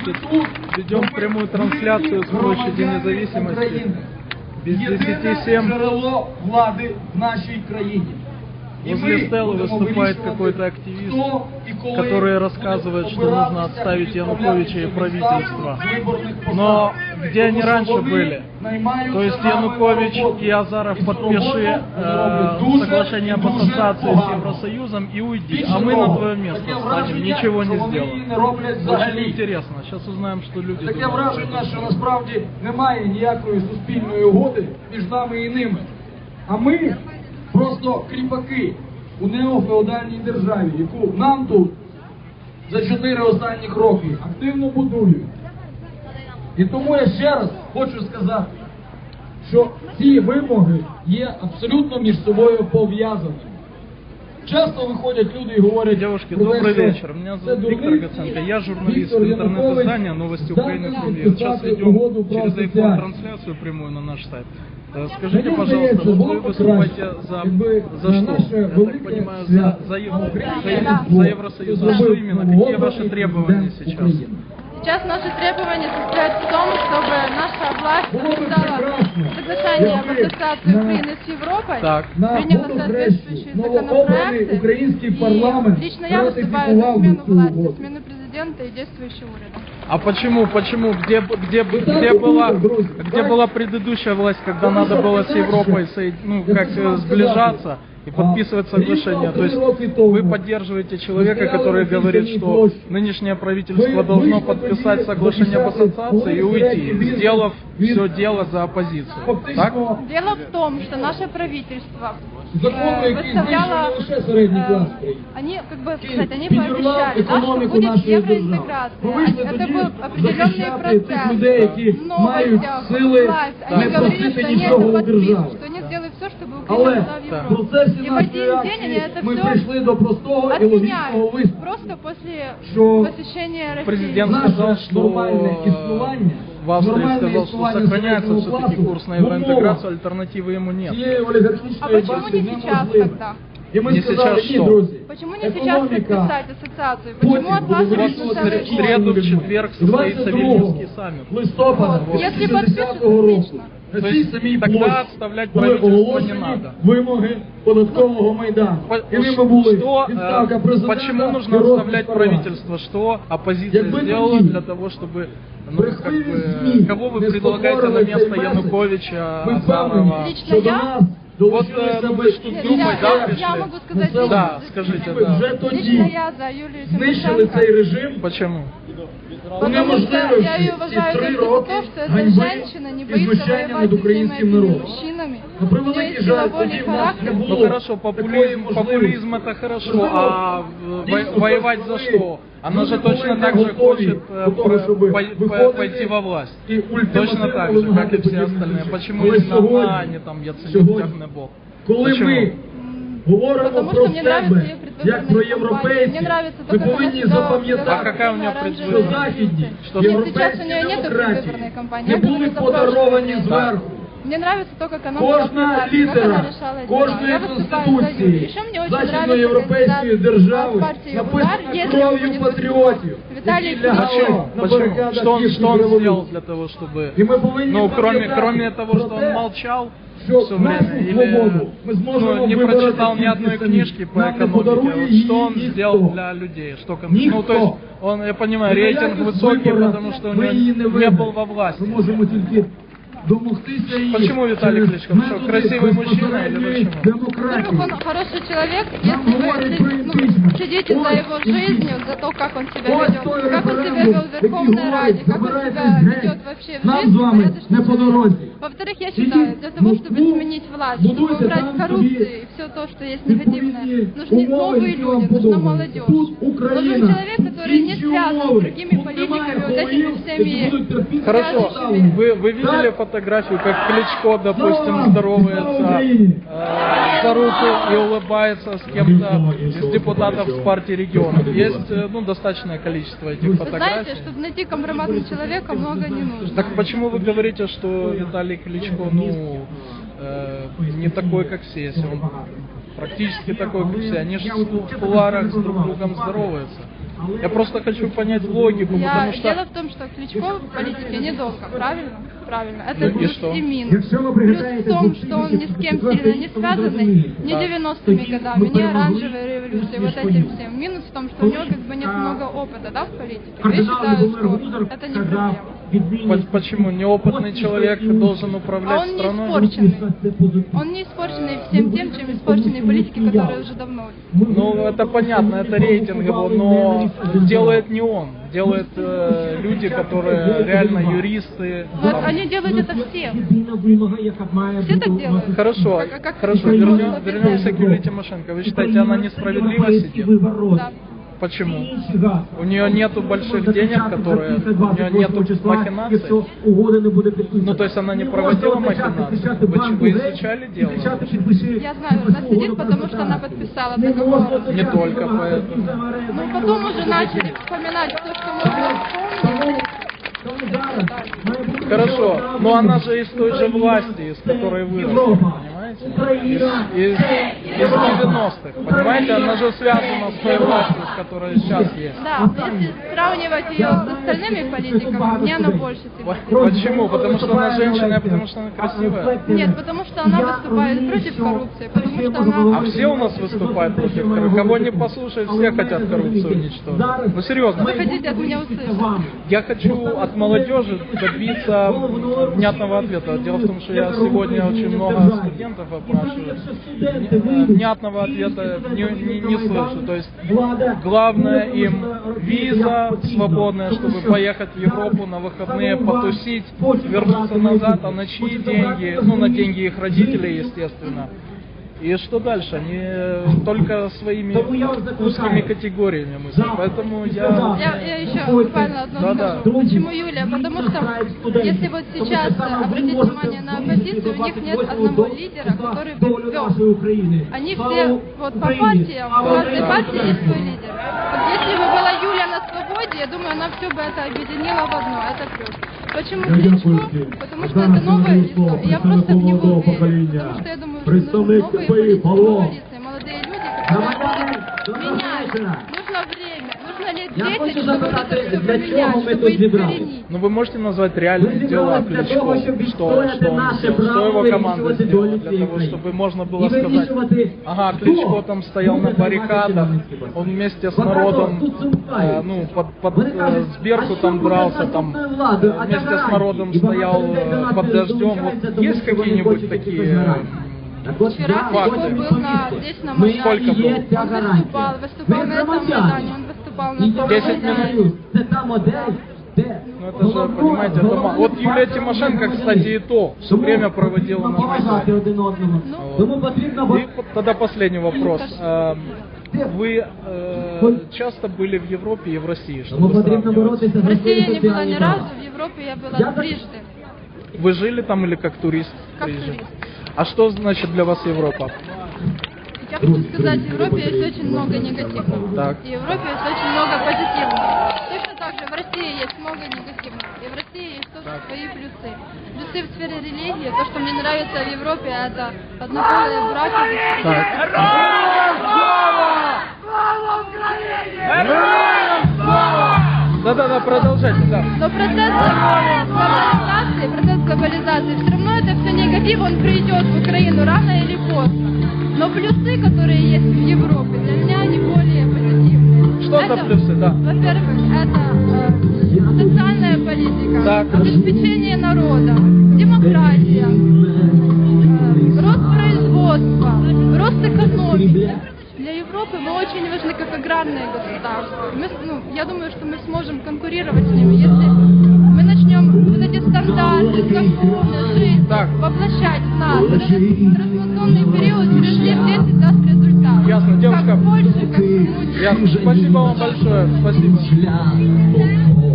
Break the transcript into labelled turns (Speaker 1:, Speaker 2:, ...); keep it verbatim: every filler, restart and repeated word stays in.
Speaker 1: Значит, ведем прямую трансляцию с площади Независимости. Без десяти семь.
Speaker 2: Джерело влади в нашей краине.
Speaker 1: Возле стелы выступает какой-то активист, который рассказывает, что нужно отставить Януковича и правительство. Но где они раньше были? То есть Янукович и Азаров, подпиши э, соглашение об ассоциации с Евросоюзом и уйди, а мы на твое место станем, ничего не сделаем. Очень интересно, сейчас узнаем, что люди
Speaker 2: Таке
Speaker 1: думают.
Speaker 2: враження, що насправді немає ніякої суспільної угоди між нами і ними. А ми просто кріпаки у неофеодальній державі, яку нам тут за чотири останніх роки активно будують. І тому я ще раз хочу сказати, що ці вимоги є абсолютно між собою пов'язаними. Часто виходять люди і говорять...
Speaker 1: Девушки, добрый вечер. Меня зовут Виктор Гаценко. Я журналист интернет-издания «Новости Украины Кремль». Сейчас ведем через iPhone трансляцию прямую на наш сайт. Скажите, пожалуйста, вот вы выступаете за, за что? Я так понимаю, за, за, за, за Евросоюз. За что именно? Какие ваши требования сейчас?
Speaker 3: Сейчас наши требования состоят в том, чтобы наша власть подписала соглашение об ассоциации Украины с Европой,
Speaker 1: так.
Speaker 3: приняла соответствующие законопроекты, и лично я выступаю за смену власти, смену президента и действующего уряда.
Speaker 1: А почему, почему, где, где, где, была, где была предыдущая власть, когда надо было с Европой, ну, как сближаться и подписывать соглашение? То есть вы поддерживаете человека, который говорит, что нынешнее правительство должно подписать соглашение об ассоциации и уйти, сделав все дело за оппозицию. Так?
Speaker 3: Дело в том, что наше правительство
Speaker 2: Законы,
Speaker 3: выставляло, э, они, как бы сказать, они пообещали, да, что будет евроинтеграция. Это был определенный процесс. В новостях, власть, они говорили, что они это подпишут, что они сделают все, чтобы Украина была в Европе. И в один день они это все отменяют. Просто после посещения России.
Speaker 1: Президент сказал, что в Австрии сказал, что сохраняется все-таки курс на евроинтеграцию, альтернативы ему нет.
Speaker 3: А почему не сейчас тогда?
Speaker 1: Не сейчас что?
Speaker 3: Почему не сейчас подписать ассоциацию? Почему от вас
Speaker 1: Вот в среду, в четверг состоится Вильнюсский саммит.
Speaker 3: Если подпишут, отлично.
Speaker 1: То есть тогда отставлять правительство не надо.
Speaker 2: Вимоги податкового майдану.
Speaker 1: Что, э, почему нужно отставлять правительство? Что оппозиция сделала для того, чтобы, ну, как бы, кого вы предлагаете на место Януковича, Азарова?
Speaker 3: Лично я.
Speaker 1: Вот ну, вы что с группой, да, пришли?
Speaker 3: Я могу сказать, лично,
Speaker 1: да, скажите, да.
Speaker 3: Лично я за Юлию
Speaker 2: Знищили цей режим.
Speaker 1: Почему?
Speaker 3: Потому что я ее уважаю только за то, что эта женщина не боится воевать с этими мужчинами. У нее есть силовой характер.
Speaker 1: Ну хорошо, популизм, популизм это хорошо, а воевать за что? Она же точно так же хочет пойти во власть. Точно так же, как и все остальные. Почему именно она, а не там Яценюк, тягне Бог?
Speaker 2: Почему?
Speaker 3: Потому что мне нравится ее предвыборная кампания. Мне нравится то, как она себя ведет.
Speaker 1: А какая у нее предвыборная?
Speaker 3: Что сейчас у нее нет предвыборной кампании. Я говорю за прошлый год. Мне нравится то, как она
Speaker 2: Кожна літера кожної конституції західноєвропейської держави написана кров'ю патріотів.
Speaker 3: Виталий
Speaker 1: Почему? Почему? Что он, что он сделал для того, чтобы... Ну, кроме, кроме того, что он молчал все время, или ну, не прочитал ни одной книжки по экономике, что он сделал для людей? Что, ну, то есть, он, я понимаю, рейтинг высокий, потому что у него не был во власти. Почему Виталий Кличко? Что, красивый мужчина или почему?
Speaker 3: Во-первых, он хороший человек, если вы ну, следите за его жизнью, за то, как он себя ведет, как он себя вел в Верховной Раде, как он себя ведет вообще в жизни. Во-вторых, я считаю, для того, чтобы сменить власть, чтобы убрать коррупцию и все то, что есть негативное, нужны новые люди, нужна молодежь. Нужен человек, который не связан с другими политиками, вот этими всеми...
Speaker 1: Хорошо, вы, вы видели фотографию, как Кличко, допустим, здоровается э, за руку и улыбается с кем-то из депутатов с партии регионов? Есть ну, достаточное количество этих
Speaker 3: вы
Speaker 1: фотографий.
Speaker 3: Знаете, чтобы найти компромиссного человека, много не нужно.
Speaker 1: Так почему вы говорите, что Виталий Кличко, ну, э, не такой, как все, если он практически такой, как все? Они же в кулуарах с друг другом здороваются. Я просто хочу понять логику,
Speaker 3: Я,
Speaker 1: потому что...
Speaker 3: Дело в том, что Кличко в политике недолго, правильно? Правильно. Это
Speaker 1: И
Speaker 3: плюс
Speaker 1: что?
Speaker 3: и минус. Плюс в том, что он ни с кем сильно не связанный, ни девяностыми годами, ни оранжевой революцией, вот этим всем. Минус в том, что у него как бы нет много опыта, да, в политике. Я считаю, что это не проблема.
Speaker 1: По- Почему? Неопытный человек должен
Speaker 3: А
Speaker 1: управлять
Speaker 3: он не
Speaker 1: страной?
Speaker 3: испорченный. Он не испорченный всем тем, чем испорчены политики, которые уже давно.
Speaker 1: Ну, это понятно, это рейтинг его, но делает не он. Делают э, люди, которые реально юристы.
Speaker 3: Но
Speaker 1: там.
Speaker 3: они делают это все. Все так делают.
Speaker 1: Хорошо,
Speaker 3: Как- как-
Speaker 1: хорошо,
Speaker 3: как-
Speaker 1: вернем-
Speaker 3: как-
Speaker 1: вернемся к Юлии Тимошенко. Вы считаете, она несправедливо сидит?
Speaker 3: Да.
Speaker 1: Почему? У нее нету больших денег, которые... У нее нету махинаций? Ну, то есть она не проводила махинации? Вы, вы изучали дело?
Speaker 3: Я знаю, она сидит, потому что она подписала договор.
Speaker 1: Не только поэтому.
Speaker 3: Ну, потом уже начали вспоминать то, что можно вспомнить.
Speaker 1: Хорошо, но она же из той же власти, из которой выросла, понимаете? Из, из, из девяностых, понимаете? Она же связана с той властью, с которой сейчас есть.
Speaker 3: Да, если сравнивать ее с остальными политиками, мне она больше симпатична.
Speaker 1: Почему? Потому что она женщина, а потому что она красивая?
Speaker 3: Нет, потому что она выступает против коррупции, потому что она...
Speaker 1: А все у нас выступают против коррупции. Кого не послушать, все хотят коррупцию уничтожить. Ну серьезно.
Speaker 3: Вы хотите от меня услышать?
Speaker 1: Я хочу от молодежи добиться внятного ответа. Дело в том, что я сегодня очень много студентов опрашиваю. Внятного ответа не, не, не слышу. То есть главное им виза свободная, чтобы поехать в Европу на выходные, потусить, вернуться назад, а на чьи деньги? Ну, на деньги их родителей, естественно. И что дальше? Они только своими узкими категориями мыслят. Поэтому я...
Speaker 3: Я, я еще буквально одно
Speaker 1: Да, да.
Speaker 3: скажу. Почему Юлия? Потому что если вот сейчас обратить внимание на оппозицию, у них нет одного лидера, который бы вел. Они все вот по партиям, у каждой партии есть свой лидер. Вот если бы была Юля на свободе, я думаю, она все бы это объединила в одно. Это плюс. Почему Кличко? Потому что это новое лицо, и я просто в него верю. Потому что я думаю, что нужны новые политики, новые лица, молодые люди, которые будут менять. Нужно время, нужно лет десять, чтобы вот это все поменять, чтобы искоренить.
Speaker 1: Ну вы можете назвать реальные дела Кличко, что, что он сделал, что его команда сделала для того, чтобы можно было сказать, ага, Кличко там стоял на баррикадах, он вместе с народом, э, ну, под, под э, Сберку там дрался, там, э, вместе с народом стоял э, под дождем. Вот есть какие-нибудь такие... э,
Speaker 3: Вчера
Speaker 1: факты?
Speaker 3: Кличко был на, здесь на Майдане.
Speaker 1: Сколько был?
Speaker 3: Он выступал, выступал на этом Майдане, он выступал на том
Speaker 1: Десять
Speaker 3: Майдане.
Speaker 1: минут. Ну это же, понимаете, это мало. Вот Юлия Тимошенко, кстати, и то все время проводила на Майдане.
Speaker 3: Ну,
Speaker 1: И тогда последний вопрос. Эм, Вы э, часто были в Европе и в России, чтобы сравнивать?
Speaker 3: в России я не была ни разу, в Европе я была трижды.
Speaker 1: Вы жили там или как турист?
Speaker 3: Как
Speaker 1: приезжали?
Speaker 3: турист.
Speaker 1: А что значит для вас Европа?
Speaker 3: Я хочу сказать, в Европе есть очень много негативного.
Speaker 1: Так.
Speaker 3: И в Европе есть очень много позитивного. Точно так же в России есть много негативного. И в России есть тоже свои плюсы. Плюсы в сфере религии. То, что мне нравится в Европе, это однополые браки.
Speaker 1: Так. Да-да-да, продолжайте, да.
Speaker 3: Но процесс глобализации, процесс глобализации, все равно это все негатив, он придет в Украину рано или поздно. Но плюсы, которые есть в Европе, для меня они более позитивные.
Speaker 1: Что за плюсы, да?
Speaker 3: Во-первых, это э, социальная политика,
Speaker 1: Так.
Speaker 3: обеспечение народа, демократия, э, рост производства, рост экономики. Для Европы мы очень важны как аграрные государства. Мы, ну, я думаю, что мы сможем конкурировать с ними, если мы начнем вот эти стандарты, законы, жизнь
Speaker 1: Так.
Speaker 3: воплощать в нас. Этот трансформационный период через лет десять даст результат.
Speaker 1: Ясно, девушка.
Speaker 3: Как больше, как Румыния.
Speaker 1: Ясно. Спасибо вам большое. Спасибо.